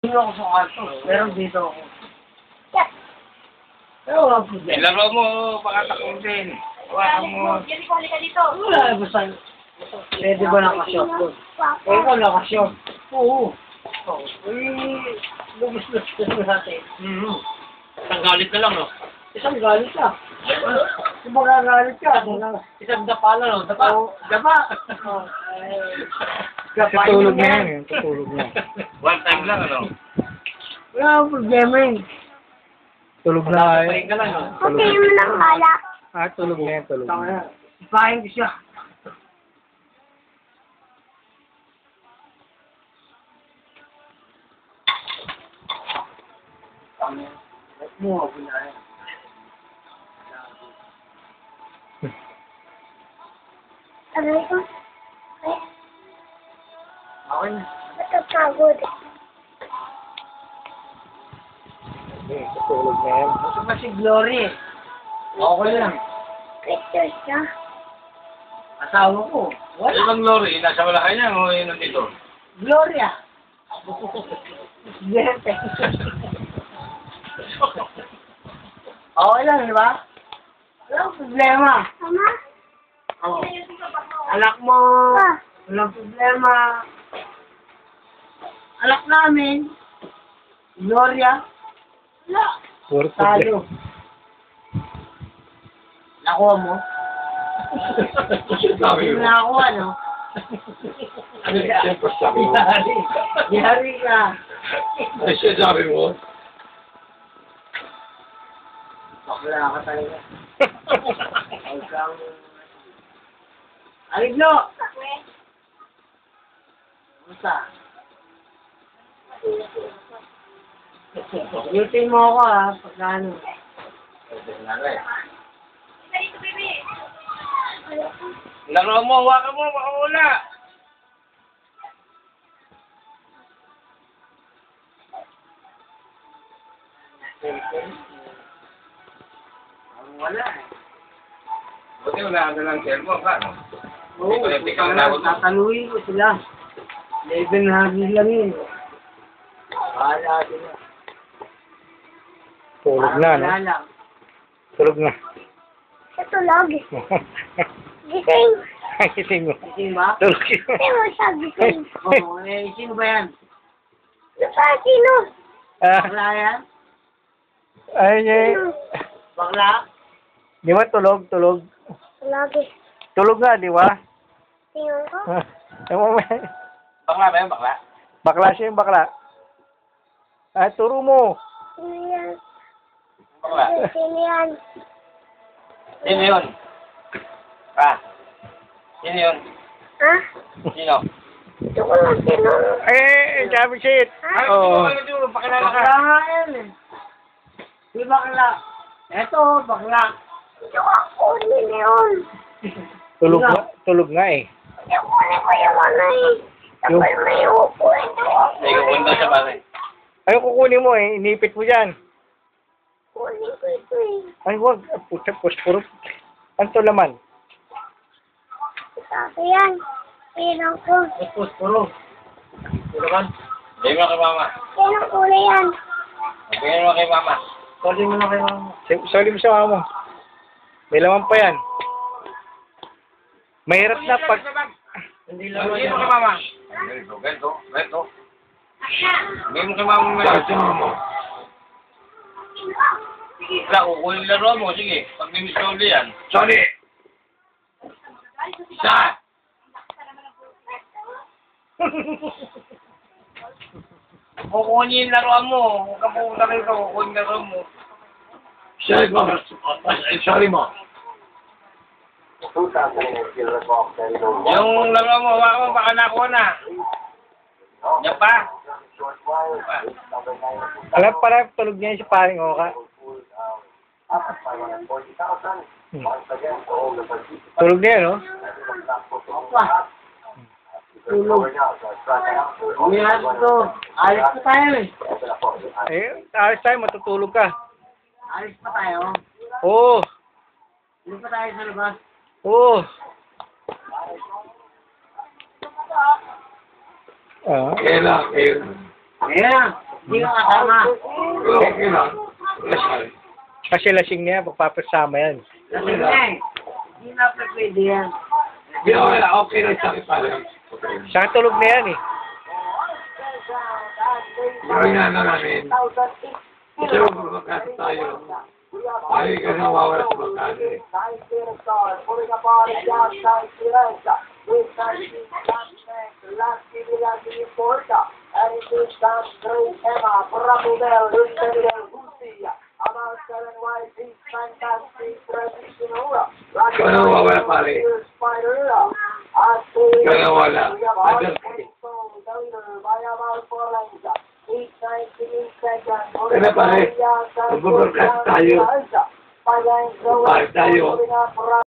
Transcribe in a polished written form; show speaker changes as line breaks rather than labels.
dun ako sa kwarto. Pero dito ako. Pero wala problema.
Ilaro mo, pakatakong din. Hawakan mo.
Halika dito.
Wala, basta. Pwede ba nakashot doon? Eh, ikaw nakashot. Oo. Oo. Eh, lumus-lumus na natin.
Isang galit na lang, no?
Isang galit ka. Kung magagalit ka,
Isang dapa na, no? Dapa.
dapa.
Tutulog na yan eh. Tutulog na.
One time lang, ano?
Wala akong problema eh.
Tulog na
Papain ka lang, no?
Okay mo ng bala.
Tulog na yan. Tulog
Tama
na.
na. Ipahin ko siya. Mo, ako na yan.
Aray ko. Ay,
Okay na.
matapagod.
Tutulog na yan.
Gusto pa si Glory eh. Okay lang.
Pictures na.
Asawa ko.
Ano
Wala.
bang lorry? Nasa Malacanang o yun nandito?
Gloria. Gente. Okay lang, di ba? Wala akong problema.
Mama?
Oh. Anak mo.
Pa.
Walang problema. Anak namin. Gloria.
Wala.
Puro problema.
Talo. Nakuha mo?
Sabi
Hindi
mo.
mo nakakuha, no?
Siyempre sabi mo.
Yari. Yari ka.
Ay, siya sabi mo.
Bakla ka talaga. Huwag kang... Aliglo! Kumusta? Yutin mo ako ha, pagka ano.
Laro mo, hawakan mo, makawala.
Wala eh.
Buti wala ka ng cellphone ka, no?
Oo,
Hindi ko na
tataluin ko sila. 1100 lang yun. Bahala sila.
Tulog na, no?
Wala lang.
Tulog na.
Sa tulog. Gising.
Gising mo.
Gising ba?
Tulog yun.
Hindi mo siya gising.
Oo, eh, sino ba yan?
Nasa sino?
Bakla yan?
Ayun eh.
Sino?
Bakla?
Di ba tulog? Tulog.
Lagi.
Tulog nga, di ba?
Tingnan ko.
Bakla ba yan, bakla?
Bakla siya yung bakla. Turo mo.
Sino yan?
Bakla.
Sino yan?
Sino yun? Ah. Sino yun?
Ha?
Sino?
Ito ko lang sino.
Sabi shit.
Ay,
Oo.
pakilala ka.
Bakla nga yan eh. Di bakla. Eto, bakla.
Ito ko kunin yun.
Tulog nga eh.
Ito kunin ko yung ano eh. Tapos may upo ito.
Hindi ko punta siya pare.
Ay, kukunin mo eh. Inipit mo dyan.
Kunin ko ito eh.
Ay, wag. Puta, puspuro. Ano to laman?
Sabi yan. Pinang ko.
Tapos, puro. Puro kan?
Bigyan mo kay mama.
Pinang kulay yan.
Bigyan mo kay mama.
Sorry mo na kayo mama.
Sali mo sa mama mo. May laman pa yan. Mahirap na pag...
Hindi lang
Bigyan mo
yan.
kay mama. Ganito. Bigyan mo kay mama. Wala, kukunin laro mo. Sige, pag may miss ulit yan. Sorry! Isa! Kukunin yung laro mo. Huwag ka pupunta kayo ka, kukunin laro mo. Sorry mo. Yung laro mo, hawakan mo, baka nakuha na. Yan pa.
Alam pala, tulog niya si paring Oka. Tulog na yan, no?
Opa. Tulog. Umihan to. Alis pa tayo eh.
Alis tayo, matutulog ka.
Alis pa tayo.
Oo.
Hindi pa tayo sa labas.
Oo.
Kailan?
Ayan. Hindi ka kasama.
Okay lang.
Kasi lasing na yan, pagpapasama yan.
Kasi nga eh. Hindi na pwede yan.
Hindi, okay lang sa akin pala.
Saka tulog na yan eh.
Gawin na namin. Kasi magkakasa tayo. Tayo ka na mawawala sa magkano eh. Ikaw na mawawala pare. Ikaw na wala. Other kay. Kaya pare, mag-broadcast tayo. Pare tayo.